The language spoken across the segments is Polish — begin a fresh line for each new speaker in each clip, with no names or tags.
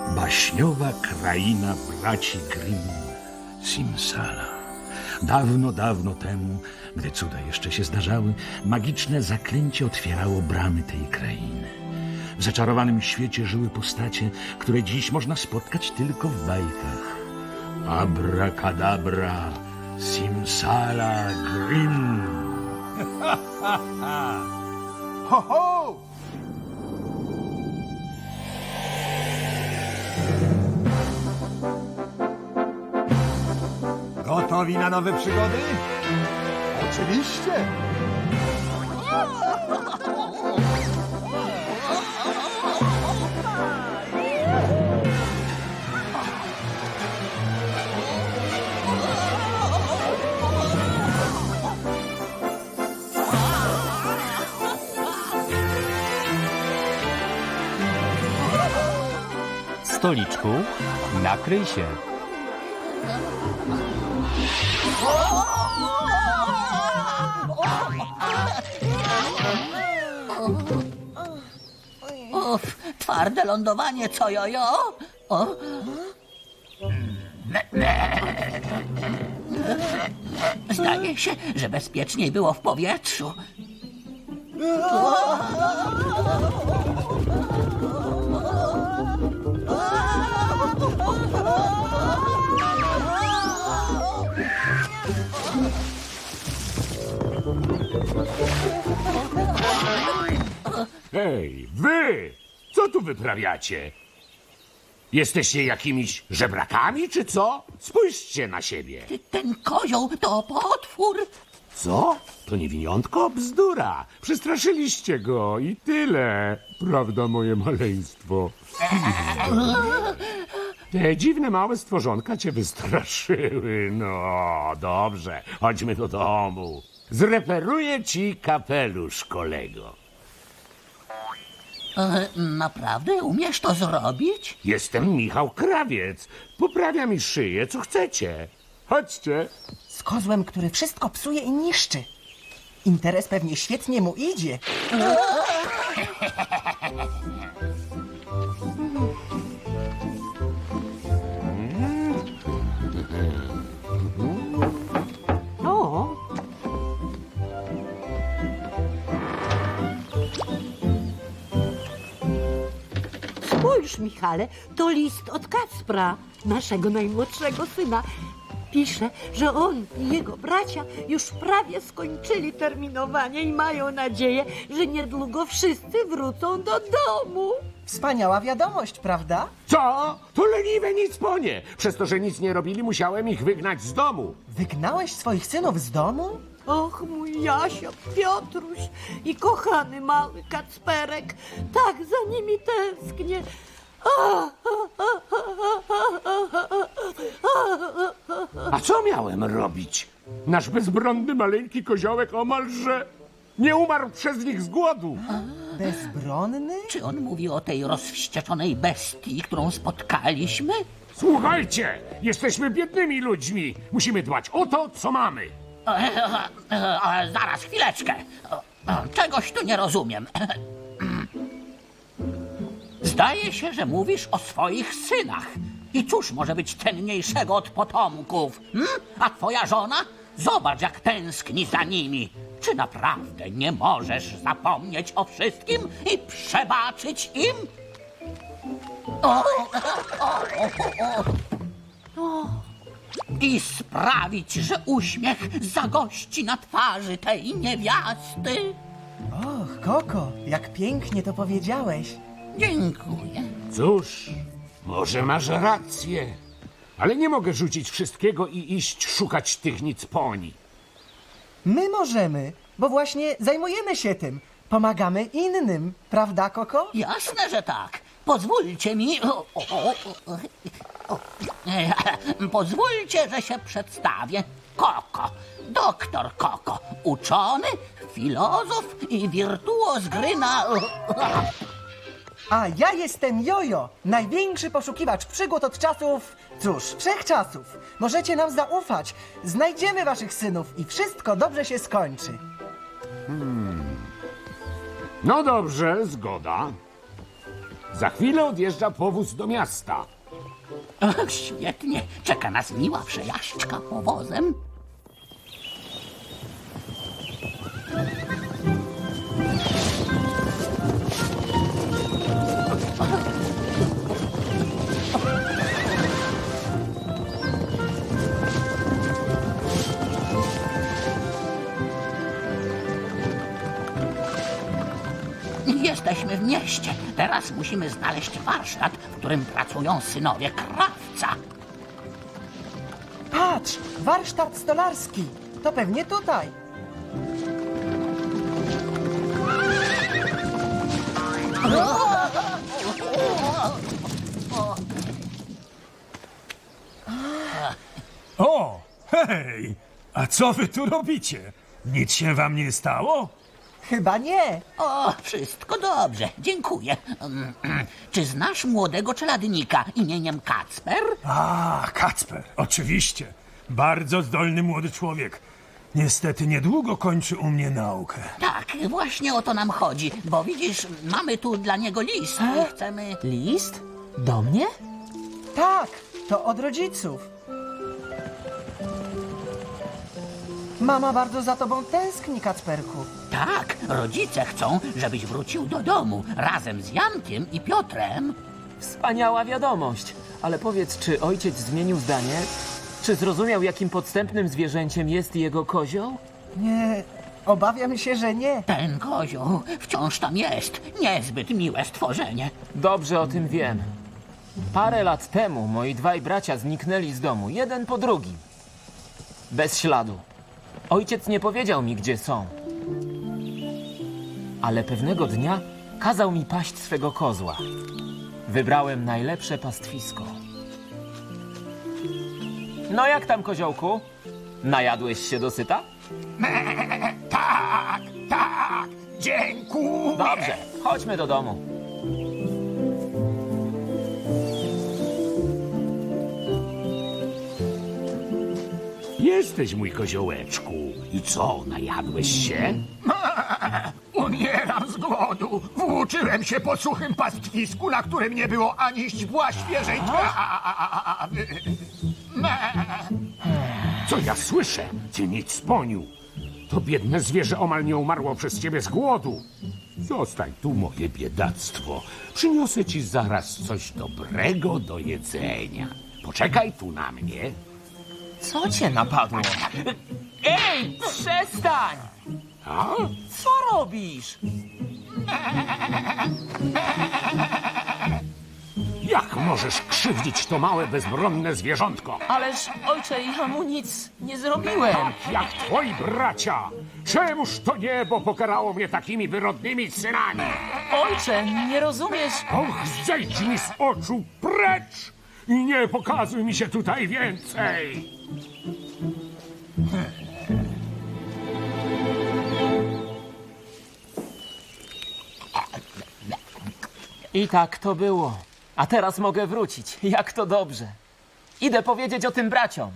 Baśniowa kraina braci Grimm, Simsala. Dawno, dawno temu, gdy cuda jeszcze się zdarzały, magiczne zaklęcie otwierało bramy tej krainy. W zaczarowanym świecie żyły postacie, które dziś można spotkać tylko w bajkach. Abracadabra, Simsala, Grimm.
Ho, ho! Gotowi na nowe przygody? Oczywiście!
Stoliczku, nakryj się.
Uf, twarde lądowanie, co jojo? O. Zdaje się, że bezpieczniej było w powietrzu.
Hej, wy! Co tu wyprawiacie? Jesteście jakimiś żebrakami, czy co? Spójrzcie na siebie.
Ten kozioł to potwór.
Co? To niewiniątko? Bzdura. Przestraszyliście go i tyle. Prawda, moje maleństwo? Te dziwne małe stworzonka cię wystraszyły. No, dobrze. Chodźmy do domu. Zreperuję ci kapelusz, kolego.
Naprawdę umiesz to zrobić?
Jestem Michał Krawiec. Poprawia mi szyję, co chcecie. Chodźcie.
Z kozłem, który wszystko psuje i niszczy. Interes pewnie świetnie mu idzie.
O! Spójrz, Michale, to list od Kacpra, naszego najmłodszego syna. Pisze, że on i jego bracia już prawie skończyli terminowanie i mają nadzieję, że niedługo wszyscy wrócą do domu.
Wspaniała wiadomość, prawda?
Co? To leniwe nic po nie. Przez to, że nic nie robili, musiałem ich wygnać z domu.
Wygnałeś swoich synów z domu?
Och, mój Jasio, Piotruś i kochany mały Kacperek, tak za nimi tęsknię.
A co miałem robić? Nasz bezbronny maleńki koziołek omalże nie umarł przez nich z głodu.
Bezbronny?
Czy on mówi o tej rozwścieczonej bestii, którą spotkaliśmy?
Słuchajcie, jesteśmy biednymi ludźmi. Musimy dbać o to, co mamy.
Zaraz, chwileczkę. Czegoś tu nie rozumiem. Zdaje się, że mówisz o swoich synach. I cóż może być cenniejszego od potomków? A twoja żona? Zobacz, jak tęskni za nimi. Czy naprawdę nie możesz zapomnieć o wszystkim i przebaczyć im? I sprawić, że uśmiech zagości na twarzy tej niewiasty?
Och, Koko, jak pięknie to powiedziałeś.
Dziękuję.
Cóż, może masz rację, ale nie mogę rzucić wszystkiego i iść szukać tych nicponi.
My możemy, bo właśnie zajmujemy się tym. Pomagamy innym, prawda, Koko?
Jasne, że tak. Pozwólcie mi... Pozwólcie, że się przedstawię. Koko. Doktor Koko. Uczony, filozof i wirtuoz gry na...
A ja jestem Jojo, największy poszukiwacz przygód od czasów, cóż, wszechczasów. Możecie nam zaufać. Znajdziemy waszych synów i wszystko dobrze się skończy.
No dobrze, zgoda.
Za chwilę odjeżdża powóz do miasta.
Och, świetnie. Czeka nas miła przejażdżka powozem. Jesteśmy w mieście. Teraz musimy znaleźć warsztat, w którym pracują synowie krawca.
Patrz, warsztat stolarski. To pewnie tutaj.
O, hej! A co wy tu robicie? Nic się wam nie stało?
Chyba nie.
O, wszystko dobrze, dziękuję. Czy znasz młodego czeladnika imieniem Kacper?
A, Kacper, oczywiście. Bardzo zdolny młody człowiek. Niestety niedługo kończy u mnie naukę.
Tak, właśnie o to nam chodzi, bo widzisz, mamy tu dla niego list i chcemy...
List? Do mnie?
Tak, to od rodziców. Mama bardzo za tobą tęskni, Kacperku.
Tak, rodzice chcą, żebyś wrócił do domu razem z Jankiem i Piotrem.
Wspaniała wiadomość. Ale powiedz, czy ojciec zmienił zdanie? Czy zrozumiał, jakim podstępnym zwierzęciem jest jego kozioł?
Nie, obawiam się, że nie.
Ten kozioł wciąż tam jest. Niezbyt miłe stworzenie.
Dobrze o tym wiem. Parę lat temu moi dwaj bracia zniknęli z domu, jeden po drugim. Bez śladu. Ojciec nie powiedział mi, gdzie są. Ale pewnego dnia kazał mi paść swego kozła. Wybrałem najlepsze pastwisko. No jak tam, koziołku? Najadłeś się dosyta?
Tak, dziękuję.
Dobrze, chodźmy do domu.
Jesteś, mój koziołeczku. I co, najadłeś się?
Umieram z głodu. Włóczyłem się po suchym pastwisku, na którym nie było ani źdźbła świeżej trawy.
Co ja słyszę? Ty nic poniu. To biedne zwierzę omal nie umarło przez ciebie z głodu. Zostań tu, moje biedactwo. Przyniosę ci zaraz coś dobrego do jedzenia. Poczekaj tu na mnie.
Co cię napadło? Ej, przestań!
A?
Co robisz?
Jak możesz krzywdzić to małe, bezbronne zwierzątko?
Ależ, ojcze, ja mu nic nie zrobiłem.
Jak twoi bracia! Czemuż to niebo pokarało mnie takimi wyrodnymi synami?
Ojcze, nie rozumiesz?
Och, zejdź mi z oczu precz! I nie pokazuj mi się tutaj więcej!
I tak to było. A teraz mogę wrócić. Jak to dobrze. Idę powiedzieć o tym braciom.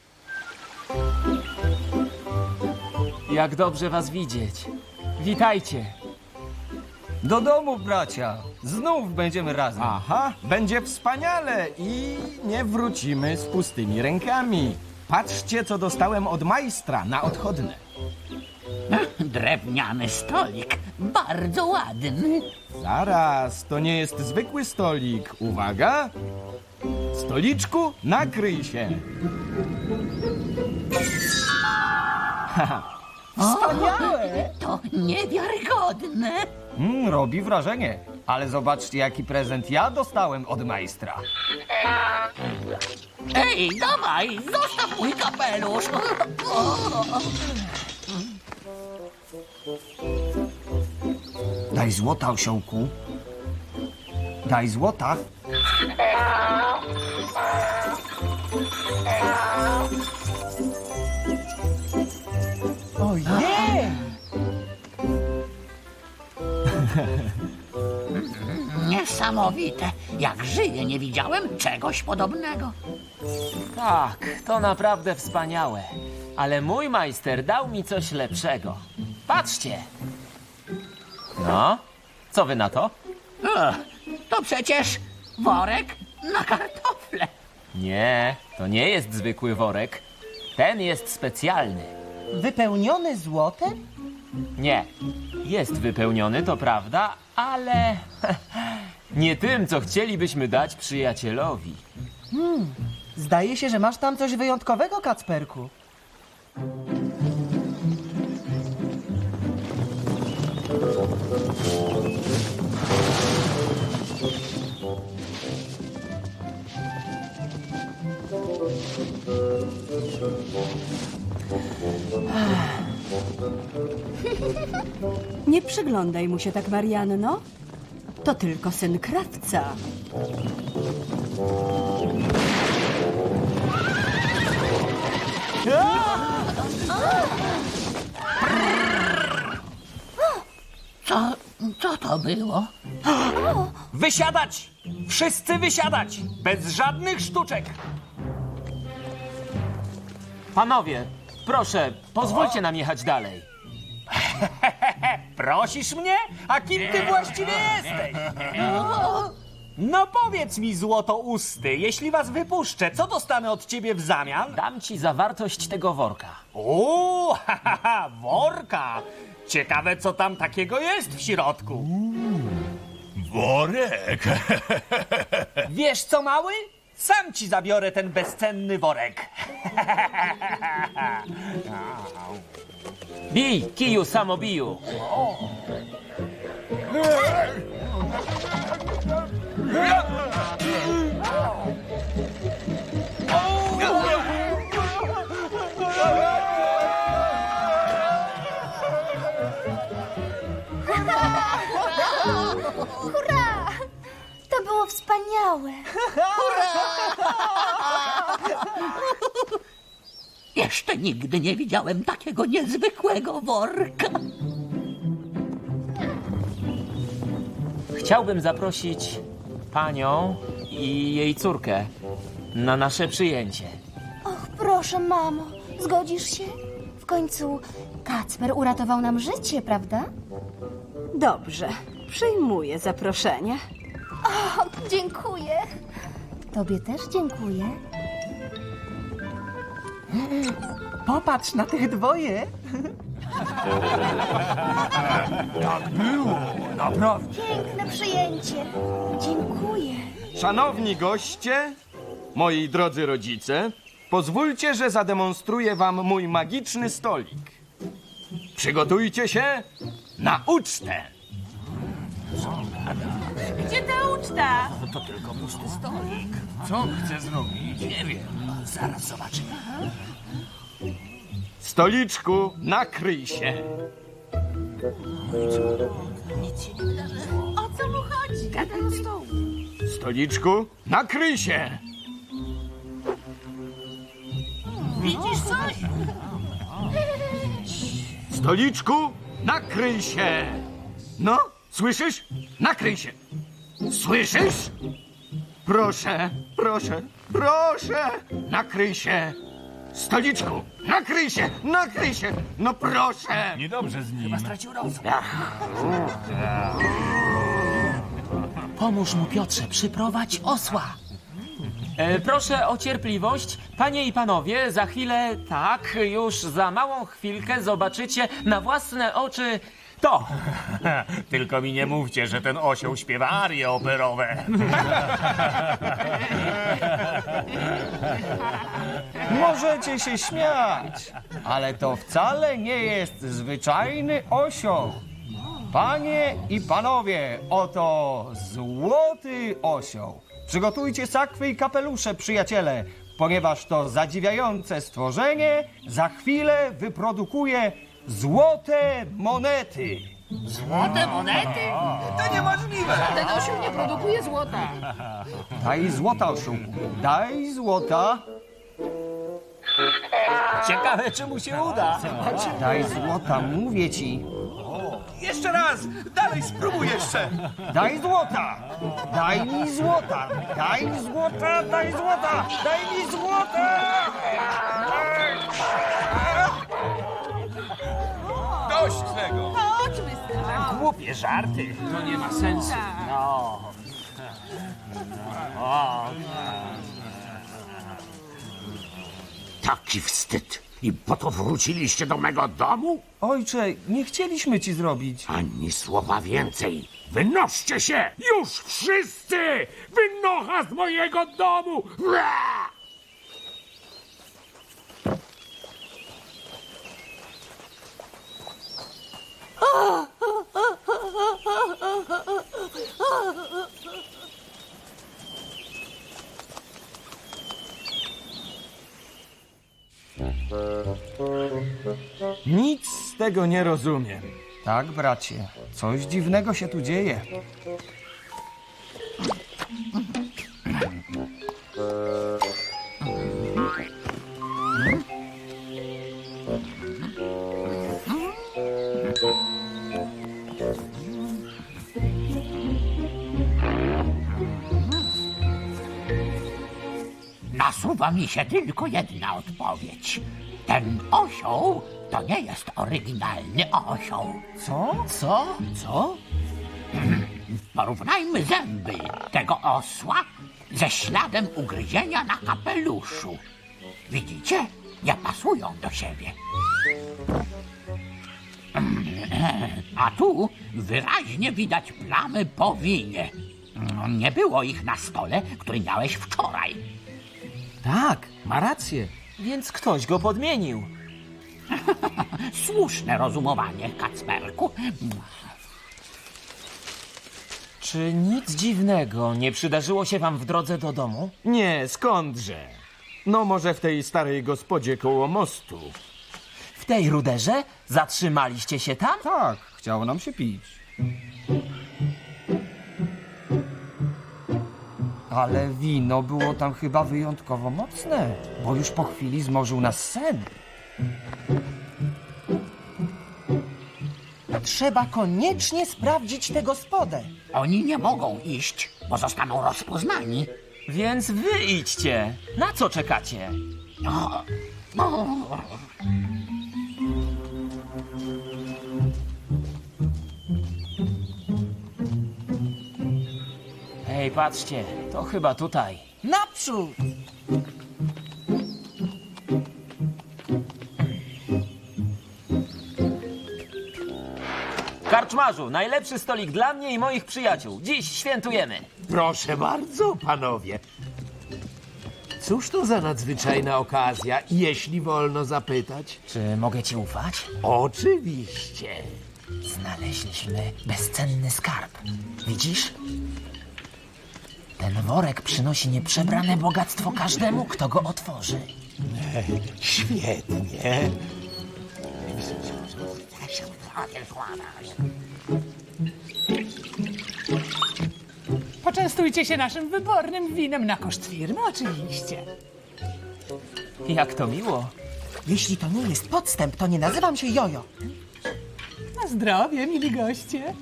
Jak dobrze was widzieć. Witajcie.
Do domu, bracia. Znów będziemy razem. Aha, będzie wspaniale i nie wrócimy z pustymi rękami. Patrzcie, co dostałem od majstra na odchodne.
Drewniany stolik, bardzo ładny.
Zaraz, to nie jest zwykły stolik. Uwaga! Stoliczku, nakryj się.
Wspaniałe!
To niewiarygodne.
Robi wrażenie. Ale zobaczcie, jaki prezent ja dostałem od majstra.
Ej, dawaj, zostaw mój kapelusz.
Daj złota, osiołku. Daj złota.
Ojej!
Niesamowite. Jak żyję, nie widziałem czegoś podobnego.
Tak, to naprawdę wspaniałe. Ale mój majster dał mi coś lepszego. Patrzcie. No, co wy na to?
Ech, To przecież worek na kartofle.
Nie, to nie jest zwykły worek. Ten jest specjalny.
Wypełniony złotem?
Nie, jest wypełniony, to prawda, ale nie tym, co chcielibyśmy dać przyjacielowi.
Zdaje się, że masz tam coś wyjątkowego, Kacperku.
Nie przyglądaj mu się tak, Marianno. To tylko syn krawca.
Co to było?
Wysiadać! Wszyscy wysiadać! Bez żadnych sztuczek!
Panowie, proszę, pozwólcie nam jechać dalej.
Prosisz mnie? A kim ty właściwie jesteś? No powiedz mi, złotousty, jeśli was wypuszczę, co dostanę od ciebie w zamian?
Dam ci zawartość tego worka.
O, worka! Ciekawe, co tam takiego jest w środku.
Worek!
Wiesz co, mały? Sam ci zabiorę ten bezcenny worek.
Bij, kiju samobiju.
Hurra! To było wspaniałe.
Jeszcze nigdy nie widziałem takiego niezwykłego worka.
Chciałbym zaprosić panią i jej córkę na nasze przyjęcie.
Och, proszę, mamo, zgodzisz się? W końcu Kacper uratował nam życie, prawda?
Dobrze, przyjmuję zaproszenie.
O, dziękuję. Tobie też dziękuję.
Popatrz na tych dwoje.
Tak było, naprawdę.
Piękne przyjęcie. Dziękuję.
Szanowni goście, moi drodzy rodzice, pozwólcie, że zademonstruję wam mój magiczny stolik. Przygotujcie się na ucztę.
Gdzie ta uczta?
Co chcę zrobić? Nie wiem. Zaraz zobaczymy.
Stoliczku, nakryj się.
O co mu chodzi? Gadaj do stołu.
Stoliczku, nakryj się.
Widzisz coś?
Stoliczku, nakryj się. No, słyszysz? Nakryj się. Słyszysz? Proszę, proszę, proszę, nakryj się. Stoliczku, nakryj się, nakryj się. No proszę.
Niedobrze z nim.
Pomóż mu, Piotrze, przyprowadź osła. Proszę o cierpliwość. Panie i panowie, za chwilę, tak, już za małą chwilkę zobaczycie na własne oczy to.
Tylko mi nie mówcie, że ten osioł śpiewa arie operowe.
Możecie się śmiać, ale to wcale nie jest zwyczajny osioł. Panie i panowie, oto złoty osioł. Przygotujcie sakwy i kapelusze, przyjaciele, ponieważ to zadziwiające stworzenie za chwilę wyprodukuje złote monety.
Złote monety?
To niemożliwe!
Ten osioł nie produkuje złota.
Daj złota, osiołku, daj złota.
Ciekawe, czy mu się uda.
Daj złota, mówię ci.
Jeszcze raz! Dalej spróbuj jeszcze!
Daj złota! Daj mi złota! Daj mi złota! Daj złota! Daj mi złota!
Dość tego!
Chodźmy,
Głupie żarty. To nie ma sensu. No.
Taki wstyd. I po to wróciliście do mego domu?
Ojcze, nie chcieliśmy ci zrobić.
Ani słowa więcej. Wynoście się! Już wszyscy! Wynocha z mojego domu! Ua!
Nic z tego nie rozumiem. Tak, bracie, coś dziwnego się tu dzieje.
Nasuwa mi się tylko jedna odpowiedź. Ten osioł to nie jest oryginalny osioł.
Co?
Co? Porównajmy zęby tego osła ze śladem ugryzienia na kapeluszu. Widzicie? Nie pasują do siebie. A tu wyraźnie widać plamy po winie. Nie było ich na stole, który miałeś wczoraj.
Tak, ma rację.
Więc ktoś go podmienił.
Słuszne rozumowanie, Kacperku.
Czy nic dziwnego nie przydarzyło się wam w drodze do domu?
Nie, skądże? No może w tej starej gospodzie koło mostu.
W tej ruderze? Zatrzymaliście się tam?
Tak, chciało nam się pić. Ale wino było tam chyba wyjątkowo mocne, bo już po chwili zmorzył nas sen.
Trzeba koniecznie sprawdzić tę gospodę.
Oni nie mogą iść, bo zostaną rozpoznani.
Więc wy idźcie. Na co czekacie? Hej, patrzcie, to chyba tutaj.
Naprzód!
Karczmarzu, najlepszy stolik dla mnie i moich przyjaciół. Dziś świętujemy.
Proszę bardzo, panowie. Cóż to za nadzwyczajna okazja, jeśli wolno zapytać?
Czy mogę ci ufać?
Oczywiście.
Znaleźliśmy bezcenny skarb. Widzisz? Ten worek przynosi nieprzebrane bogactwo każdemu, kto go otworzy.
Świetnie.
Poczęstujcie się naszym wybornym winem na koszt firmy, oczywiście.
Jak to miło.
Jeśli to nie jest podstęp, to nie nazywam się Jojo.
Na zdrowie, mili goście.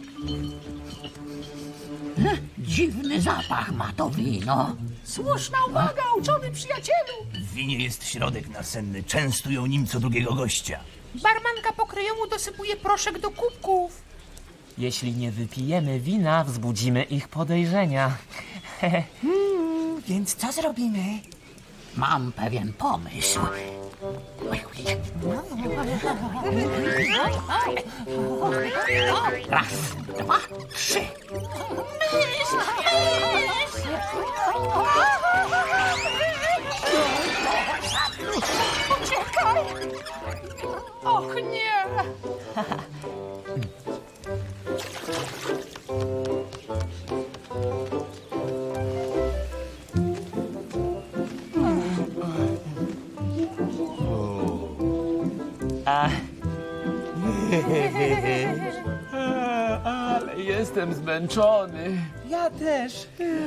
Dziwny zapach ma to wino.
Słuszna uwaga, uczony przyjacielu.
W winie jest środek nasenny. Częstują nim co drugiego gościa.
Barmanka pokryjomu dosypuje proszek do kubków.
Jeśli nie wypijemy wina, wzbudzimy ich podejrzenia.
Więc co zrobimy?
Mam pewien pomysł. Raz, dwa, trzy.
Uciekaj! Och nie!
Ale jestem zmęczony.
Ja też.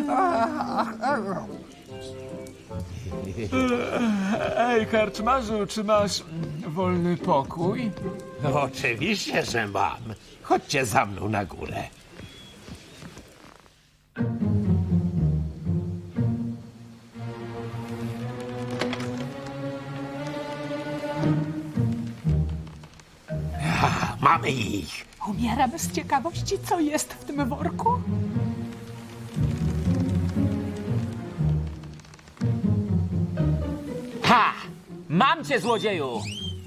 Ej, karczmarzu, czy masz wolny pokój?
Oczywiście, że mam. Chodźcie za mną na górę. Mamy ich.
Umieram z ciekawości, co jest w tym worku.
Ha! Mam cię, złodzieju!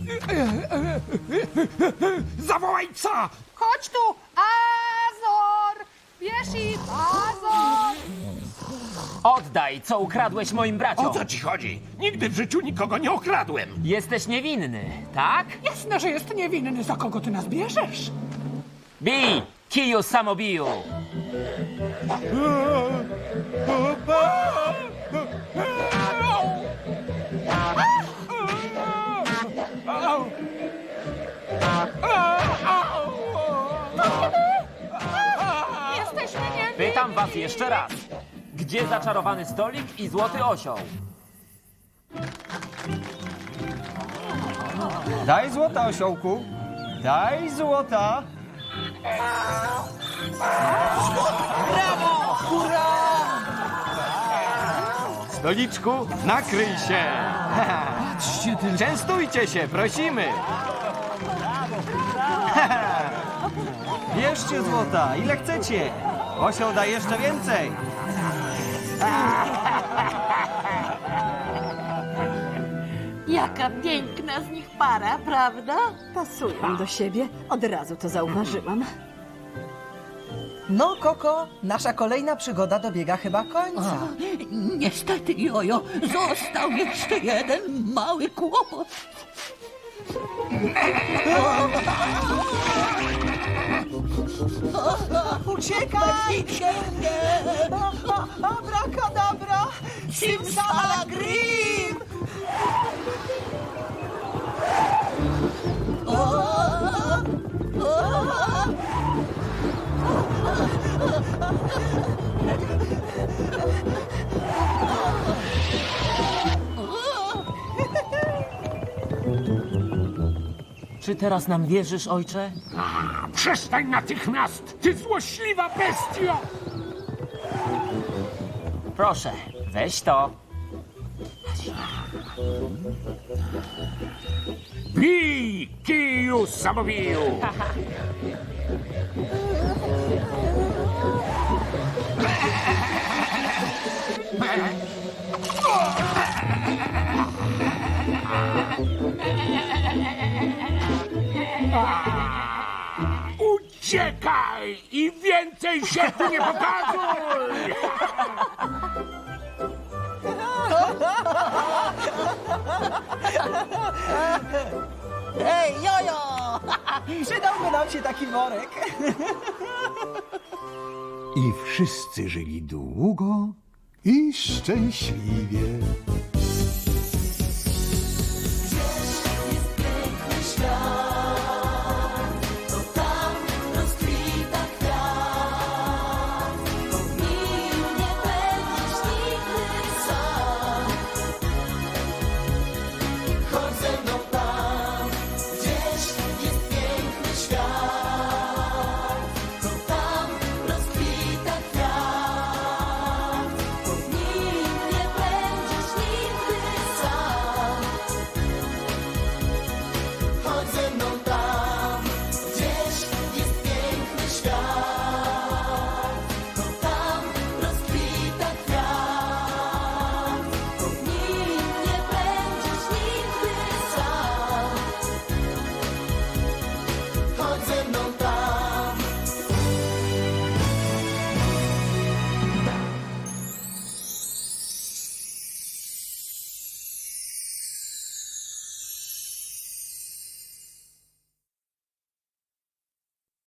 Zawołaj psa!
Chodź tu, Azor! Bierz ich, Azor!
Oddaj, co ukradłeś moim braciom.
O co ci chodzi? Nigdy w życiu nikogo nie okradłem.
Jesteś niewinny, tak?
Jasne, że jest niewinny. Za kogo ty nas bierzesz?
Bij! Kiju samobiju!
Jesteśmy niewinni!
Pytam was jeszcze raz. Gdzie zaczarowany stolik i złoty osioł?
Daj złota, osiołku. Daj złota. Stoliczku, nakryj się. Częstujcie się, prosimy. Bierzcie złota, ile chcecie. Osioł da jeszcze więcej.
Jaka piękna z nich para, prawda?
Pasują do siebie. Od razu to zauważyłam.
No, Koko, nasza kolejna przygoda dobiega chyba końca.
Niestety, Jojo, został jeszcze jeden mały kłopot.
Uciekaj! Abracadabra! Simsalagrim!
Czy teraz nam wierzysz, ojcze?
Przestań natychmiast, ty złośliwa bestio!
Proszę, weź to.
Bij, kiju samowiju! Uciekaj i więcej się tu nie pokazuj!
Ej, Jojo! Przydałby nam się taki worek.
I wszyscy żyli długo i szczęśliwie.